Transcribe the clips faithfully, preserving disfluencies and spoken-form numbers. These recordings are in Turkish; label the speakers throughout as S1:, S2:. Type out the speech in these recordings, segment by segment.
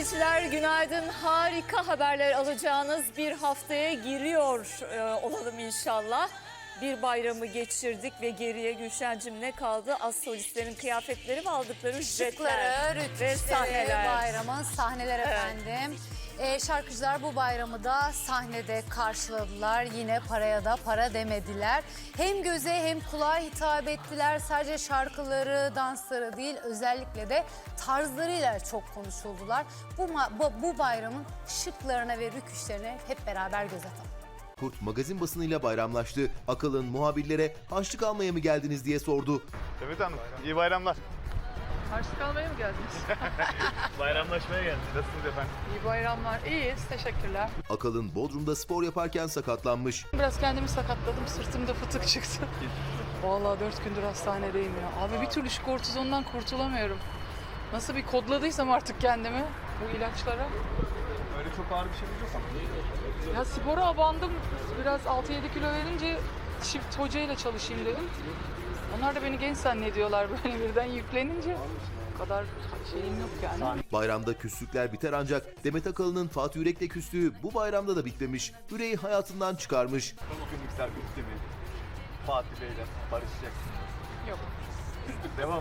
S1: seyirciler günaydın. Harika haberler alacağınız bir haftaya giriyor e, olalım inşallah. Bir bayramı geçirdik ve geriye Gülşen'cim ne kaldı? Az solistlerin kıyafetleri ve aldıkları ücretler
S2: Şıkları,
S1: ve
S2: rütüşleri,
S1: sahneler.
S2: bayramın sahneler
S1: Evet.
S2: efendim. Ee, şarkıcılar bu bayramı da sahnede karşıladılar. Yine paraya da para demediler. Hem göze hem kulağa hitap ettiler. Sadece şarkıları, dansları değil, özellikle de tarzlarıyla çok konuşuldular. Bu, bu, bu bayramın şıklarına ve rüküşlerine hep beraber göz atalım.
S3: Kurt magazin basınıyla bayramlaştı. Akıl'ın muhabirlere harçlık almaya mı geldiniz diye sordu.
S4: Evet hanım, iyi bayramlar.
S5: Harçlık almaya mı geldiniz?
S4: Bayramlaşmaya geldik. Nasılsınız efendim?
S5: İyi bayramlar. İyiyiz. Teşekkürler.
S3: Akıl'ın Bodrum'da spor yaparken sakatlanmış.
S5: Biraz kendimi sakatladım. Sırtımda fıtık çıktı. Vallahi dört gündür hastanedeyim ya. Abi bir türlü şu kortizondan kurtulamıyorum. Nasıl bir kodladıysam artık kendimi bu ilaçlara.
S4: Öyle çok ağır bir şeyimiz yok ama.
S5: Ya spora abandım. Biraz altı yedi kilo verince çift hocayla çalışayım dedim. Onlar da beni genç zannediyorlar böyle birden yüklenince. O kadar şeyim yok yani.
S3: Bayramda küslükler biter ancak Demet Akalın'ın Fatih Yürek'le küslüğü bu bayramda da bitmemiş. Yüreği hayatından çıkarmış.
S4: Bugün mikser bitti mi? Fatih Bey'le barışacaksınız.
S5: Yok.
S4: Devam.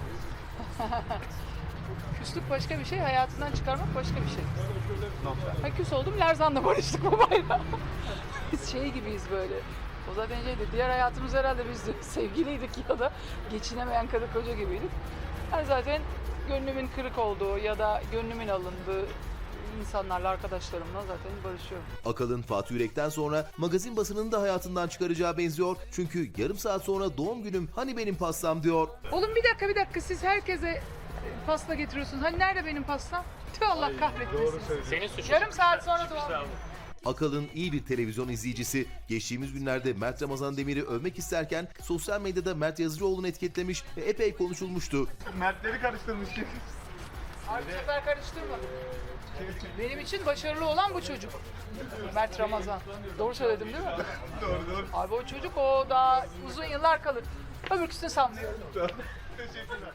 S5: Küslük başka bir şey, hayatından çıkarmak başka bir şey.
S4: Nokta.
S5: Ha, küs oldum, Lerzan'la barıştık bu bayram. Biz şey gibiyiz böyle. O zaten şeydi, diğer hayatımız herhalde biz de sevgiliydik ya da geçinemeyen karı koca gibiydik. Ben zaten gönlümün kırık olduğu ya da gönlümün alındığı insanlarla, arkadaşlarımla zaten barışıyorum.
S3: Akalın Fatih Yürek'ten sonra magazin basınını da hayatından çıkaracağı benziyor. Çünkü yarım saat sonra doğum günüm hani benim pastam diyor.
S5: Oğlum bir dakika bir dakika, siz herkese pasta getiriyorsunuz. Hani nerede benim pastam? Tüh, Allah kahretmesin.
S4: Doğru söylüyorsun.
S5: Yarım saat sonra doğum günü.
S3: Akalın iyi bir televizyon izleyicisi. Geçtiğimiz günlerde Mert Ramazan Demir'i övmek isterken sosyal medyada Mert Yazıcıoğlu'nu etiketlemiş ve epey konuşulmuştu.
S4: Mertleri karıştırmış.
S5: Abi bu sefer karıştırmadım. Benim için başarılı olan bu çocuk. Mert Ramazan. Doğru söyledim değil mi?
S4: Doğru doğru.
S5: Abi o çocuk o daha uzun yıllar kalır. Öbürküsünü sanmıyorum.
S4: Teşekkürler.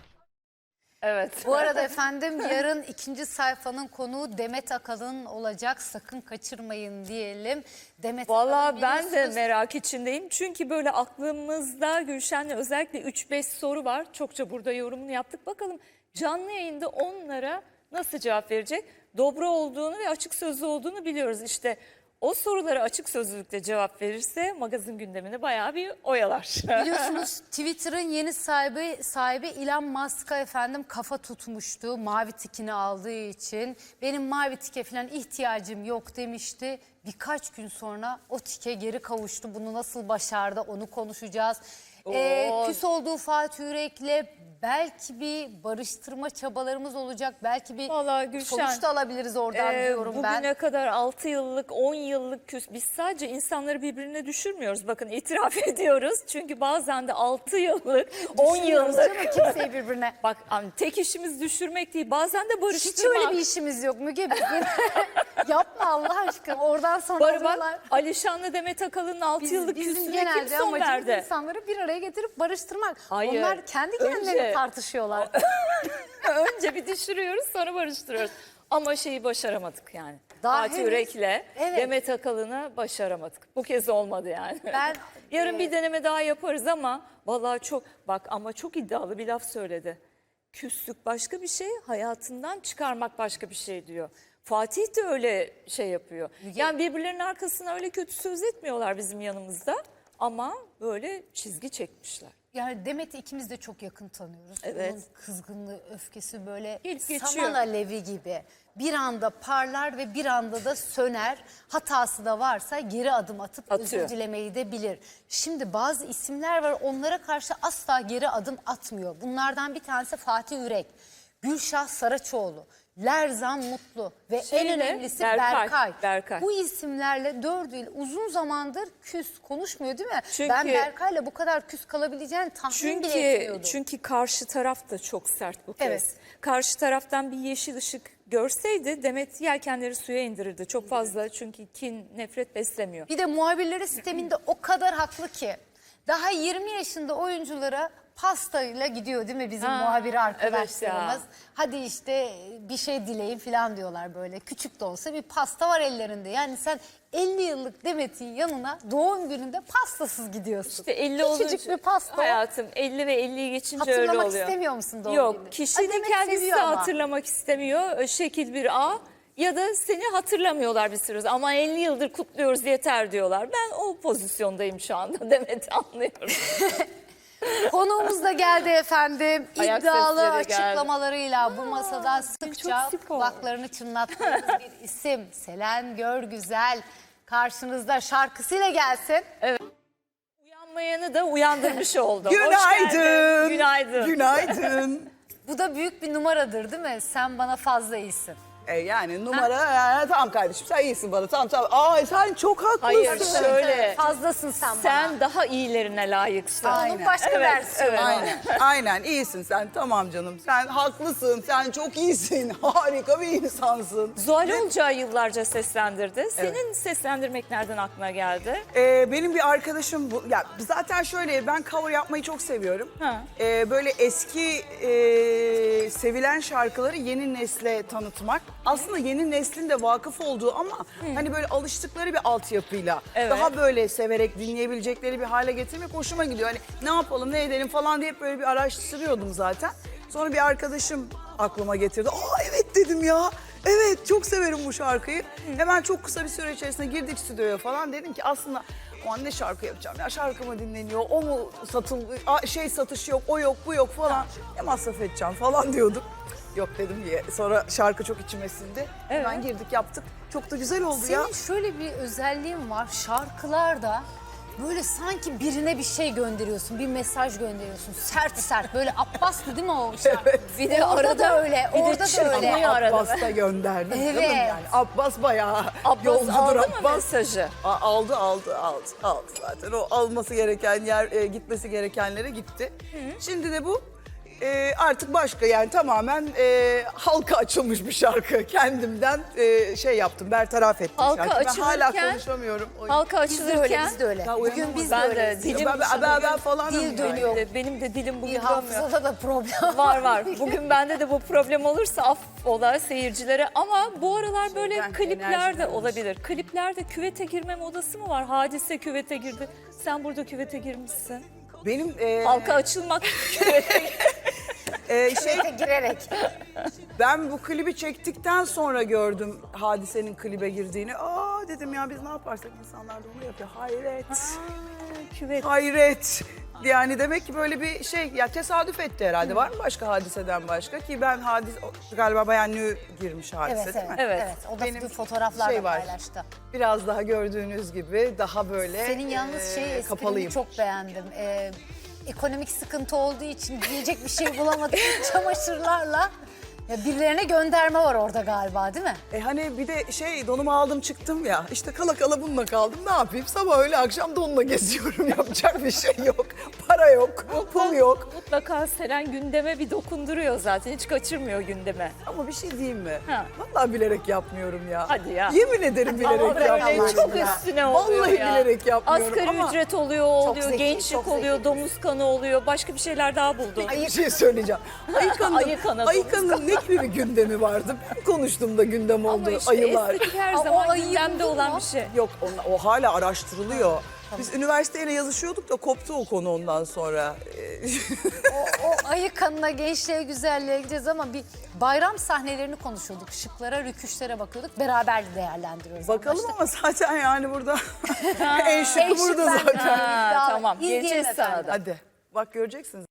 S1: Evet.
S2: Bu arada efendim yarın ikinci sayfanın konuğu Demet Akalın olacak. Sakın kaçırmayın diyelim. Demet
S1: Vallahi
S2: Akalın
S1: ben de
S2: biliyorsunuz-
S1: merak içindeyim. Çünkü böyle aklımızda Gülşen'le özellikle üç beş soru var. Çokça burada yorumunu yaptık. Bakalım canlı yayında onlara nasıl cevap verecek? Dobra olduğunu ve açık sözlü olduğunu biliyoruz. İşte o sorulara açık sözlülükle cevap verirse magazin gündemini bayağı bir oyalar.
S2: Biliyorsunuz Twitter'ın yeni sahibi sahibi Elon Musk'a efendim kafa tutmuştu mavi tikini aldığı için. Benim mavi tike falan ihtiyacım yok demişti. Birkaç gün sonra o tike geri kavuştu. Bunu nasıl başardı onu konuşacağız. Ee,
S1: Oo.
S2: küs olduğu Fatih Yürek'le belki bir barıştırma çabalarımız olacak. Belki bir
S1: Vallahi Gülşen,
S2: sonuç da alabiliriz oradan
S1: Ee,
S2: diyorum ben.
S1: Bugüne kadar altı yıllık, on yıllık küs. Biz sadece insanları birbirine düşürmüyoruz. Bakın itiraf ediyoruz. Çünkü bazen de altı yıllık, on
S2: Düşünüyoruz
S1: yıllık.
S2: canım kimseyi birbirine.
S1: Bak hani tek işimiz düşürmek değil. Bazen de
S2: Hiç
S1: barıştırmak.
S2: öyle bir işimiz yok Müge bizim. Yapma Allah aşkına oradan sonra
S1: Bari
S2: alıyorlar.
S1: bak Alişan'la Demet Akalın'ın altı
S2: Biz-
S1: yıllık
S2: bizim
S1: küslüğüne kim
S2: genelde
S1: son
S2: amacımız
S1: verdi?
S2: insanları bir araya getirip barıştırmak.
S1: Hayır,
S2: Onlar kendi kendilerine
S1: önce-
S2: tartışıyorlar.
S1: Önce bir düşürüyoruz sonra barıştırıyoruz. Ama şeyi başaramadık yani.
S2: Daha
S1: Fatih
S2: henüz-
S1: Yürek'le
S2: Evet.
S1: Demet Akalın'ı başaramadık. Bu kez olmadı yani.
S2: Ben-
S1: Yarın bir deneme daha yaparız ama vallahi çok bak ama çok iddialı bir laf söyledi. Küslük başka bir şey, hayatından çıkarmak başka bir şey diyor. Fatih de öyle şey yapıyor. Yani birbirlerinin arkasına öyle kötü söz etmiyorlar bizim yanımızda ama böyle çizgi çekmişler.
S2: Yani Demet'i ikimiz de çok yakın tanıyoruz.
S1: Evet.
S2: Onun kızgınlığı, öfkesi böyle
S1: Gelip geçiyor.
S2: saman alevi gibi. Bir anda parlar ve bir anda da söner. Hatası da varsa geri adım atıp
S1: Atıyor.
S2: özür dilemeyi de bilir. Şimdi bazı isimler var onlara karşı asla geri adım atmıyor. Bunlardan bir tanesi Fatih Yürek, Gülşah Saraçoğlu, Lerzan Mutlu ve
S1: Şeyle,
S2: en önemlisi
S1: Berkay,
S2: Berkay.
S1: Berkay.
S2: Bu isimlerle dört yıl uzun zamandır küs konuşmuyor değil mi?
S1: Çünkü-
S2: ben Berkay'la bu kadar küs kalabileceğini tahmin bile
S1: Çünkü
S2: etmiyordum.
S1: çünkü karşı taraf da çok sert bu kez.
S2: Evet.
S1: Karşı taraftan bir yeşil ışık görseydi Demet yelkenleri suya indirirdi. Çok fazla çünkü kin, nefret beslemiyor.
S2: Bir de muhabirleri sisteminde o kadar haklı ki daha yirmi yaşında oyunculara pastayla gidiyor değil mi bizim
S1: Ha,
S2: muhabir arkadaşlarımız?
S1: evet ya.
S2: Hadi işte bir şey dileyin falan diyorlar böyle. Küçük de olsa bir pasta var ellerinde. Yani sen elli yıllık Demet'in yanına doğum gününde pastasız gidiyorsun.
S1: İşte elli
S2: Küçücük
S1: olunca
S2: bir pasta.
S1: hayatım elli ve elliyi geçince öyle
S2: Hatırlamak
S1: oluyor.
S2: istemiyor musun doğum
S1: Yok,
S2: gününü?
S1: kişi
S2: Ay,
S1: de
S2: Demet
S1: kendisi
S2: seviyor
S1: de
S2: ama.
S1: hatırlamak istemiyor. Şekil bir A ya da seni hatırlamıyorlar bir süre. Ama elli yıldır kutluyoruz yeter diyorlar. Ben o pozisyondayım şu anda. Demet anlıyorum.
S2: Konuğumuz da geldi efendim.
S1: Ayak
S2: İddialı
S1: sesleri geldi.
S2: açıklamalarıyla bu masada sıkça
S1: çok spor.
S2: kulaklarını çınlattığımız bir isim. Selen Görgüzel karşınızda şarkısıyla gelsin.
S1: Uyanmayanı da uyandırmış oldum. Hoş
S6: Günaydın.
S1: geldin. Günaydın.
S6: Günaydın.
S2: Bu da büyük bir numaradır değil mi? Sen bana fazla iyisin.
S6: E yani numara yani, tamam kardeşim sen iyisin bana tamam tamam. Aa sen çok haklısın.
S1: Hayır şöyle.
S2: Fazlasın sen, bana.
S1: Sen daha iyilerine layıksın.
S2: Onun
S6: Aynen.
S2: başka
S1: Evet,
S2: versiyonu.
S1: evet.
S6: Aynen, aynen iyisin sen tamam canım. Sen haklısın, sen çok iyisin. Harika bir insansın.
S1: Zuhal Olcay yıllarca seslendirdi. Senin seslendirmek nereden aklına geldi?
S6: Ee, benim bir arkadaşım bu. Ya zaten şöyle ben cover yapmayı çok seviyorum.
S1: Ha.
S6: Ee, böyle eski e, sevilen şarkıları yeni nesle tanıtmak. Aslında yeni neslin de vakıf olduğu ama hani böyle alıştıkları bir altyapıyla
S1: Evet.
S6: daha böyle severek dinleyebilecekleri bir hale getirmek hoşuma gidiyor. Hani ne yapalım ne edelim falan diye hep böyle bir araştırıyordum zaten. Sonra bir arkadaşım aklıma getirdi. Aa evet dedim ya. Evet çok severim bu şarkıyı. Hemen çok kısa bir süre içerisinde girdik stüdyoya falan. Dedim ki aslında o an ne şarkı yapacağım ya şarkı mı dinleniyor, o mu satıl, a- şey satış yok, o yok, bu yok falan. Ne masraf edeceğim falan diyordum. Yok dedim diye. Sonra şarkı çok içime sindi. Hemen girdik yaptık. Çok da güzel oldu ya.
S2: Senin şöyle bir özelliğin var. Şarkılarda böyle sanki birine bir şey gönderiyorsun, bir mesaj gönderiyorsun. Sert sert böyle Abbas'tı değil mi o şarkı? Bir de orada da öyle,
S1: bir de
S2: orada da
S1: çırpınıyor
S2: öyle.
S1: arada.
S6: Abbas da gönderdi.
S2: Evet.
S6: Canım yani. Abbas bayağı
S1: Abbas
S6: yolcudur
S1: aldı mı
S6: Abbas.
S1: mesajı?
S6: A- Aldı aldı aldı aldı zaten. O alması gereken yer e, gitmesi gerekenlere gitti. Şimdi de bu e, artık başka yani tamamen e, halka açılmış bir şarkı. Kendimden e, şey yaptım bertaraf ettim
S1: Halka
S6: şarkıyı. Ben hala
S1: açılırken-
S6: konuşamıyorum. O-
S1: Halka
S2: Biz de öyle,
S1: açılırken
S2: biz de öyle.
S6: Daha
S2: Bugün
S6: uyanamadım.
S2: biz de
S1: ben de
S2: öyleyiz.
S1: dilim
S6: ben, ben, ben, ben falan
S2: dil dönüyor.
S1: Benim de- Benim de dilim
S2: Bir
S1: bugün dönmüyor.
S2: hafızada da problem
S1: Var var. Bugün bende de bu problem olursa affola seyircilere ama bu aralar böyle
S6: Şeyden,
S1: klipler de
S6: enerjiden
S1: olabilir. Kliplerde küvete girme modası mı var? Hadise küvete girdi. Sen burada küvete girmişsin.
S6: Benim e,
S1: Halka açılmak küvete
S6: e, şey
S2: Şeye girerek.
S6: ben bu klibi çektikten sonra gördüm Hadise'nin klibe girdiğini. Aa dedim ya biz ne yaparsak insanlar da onu yapıyor. Hayret.
S1: küvet.
S6: Hayret. Yani demek ki böyle bir şey ya tesadüf etti herhalde. Var mı başka Hadise'den başka ki ben Hadise galiba Bayan Nü girmiş Hadise
S2: Evet
S6: değil
S2: evet,
S6: mi?
S1: Evet.
S2: evet. O da
S6: Benim
S2: bir fotoğraflar
S6: şey
S2: da
S6: var.
S2: paylaştı.
S6: Biraz daha gördüğünüz gibi daha böyle
S2: Senin yalnız
S6: e,
S2: şey esprini
S6: kapalıyım.
S2: çok beğendim. Ee, ekonomik sıkıntı olduğu için giyecek bir şey bulamadık çamaşırlarla. Ya birilerine gönderme var orada galiba değil mi?
S6: E hani bir de şey donumu aldım çıktım ya işte kala kala bununla kaldım ne yapayım sabah öyle akşam donla geziyorum yapacak bir şey yok para yok pul yok
S1: Mutlaka Selen gündeme bir dokunduruyor zaten. Hiç kaçırmıyor gündeme.
S6: ama bir şey diyeyim mi?
S1: Ha.
S6: Vallahi bilerek yapmıyorum ya.
S1: Hadi ya.
S6: Yemin ederim bilerek
S1: Ama böyle
S6: yapmıyorum.
S1: çok
S6: ya.
S1: üstüne oluyor
S6: Vallahi
S1: ya.
S6: bilerek yapmıyorum
S1: Asgari
S6: ama
S1: ücret oluyor, oluyor,
S2: zeki,
S1: gençlik
S2: çok zeki.
S1: oluyor, domuz kanı oluyor. Başka bir şeyler daha buldum.
S6: bir şey söyleyeceğim. Ayıkan'ın,
S1: Ayı kanadı.
S6: Ayıkan'ın ne gibi bir gündemi vardı? Ben konuştum da gündem oldu
S1: Ama işte
S6: ayılar.
S1: estetik her
S2: Aa, o
S1: zaman
S2: ayıyı
S1: gündemde
S2: buldun
S1: olan
S2: mu?
S1: bir şey.
S6: Yok o, o hala araştırılıyor. Biz üniversiteyle yazışıyorduk da koptu o konu ondan sonra. Ee,
S2: O, o ayı kanına, gençliğe, güzelliğe gideceğiz ama bir bayram sahnelerini konuşuyorduk. Şıklara, rüküşlere bakıyorduk. Beraber değerlendiriyoruz.
S6: Bakalım
S2: Anlaştık.
S6: ama zaten yani burada en şıkı
S2: En şık
S6: burada
S2: bende.
S6: zaten.
S1: Ha,
S2: İddialı.
S1: tamam,
S2: İzleyelim
S1: geleceğiz sana
S2: efendim.
S1: da.
S6: Hadi bak göreceksiniz.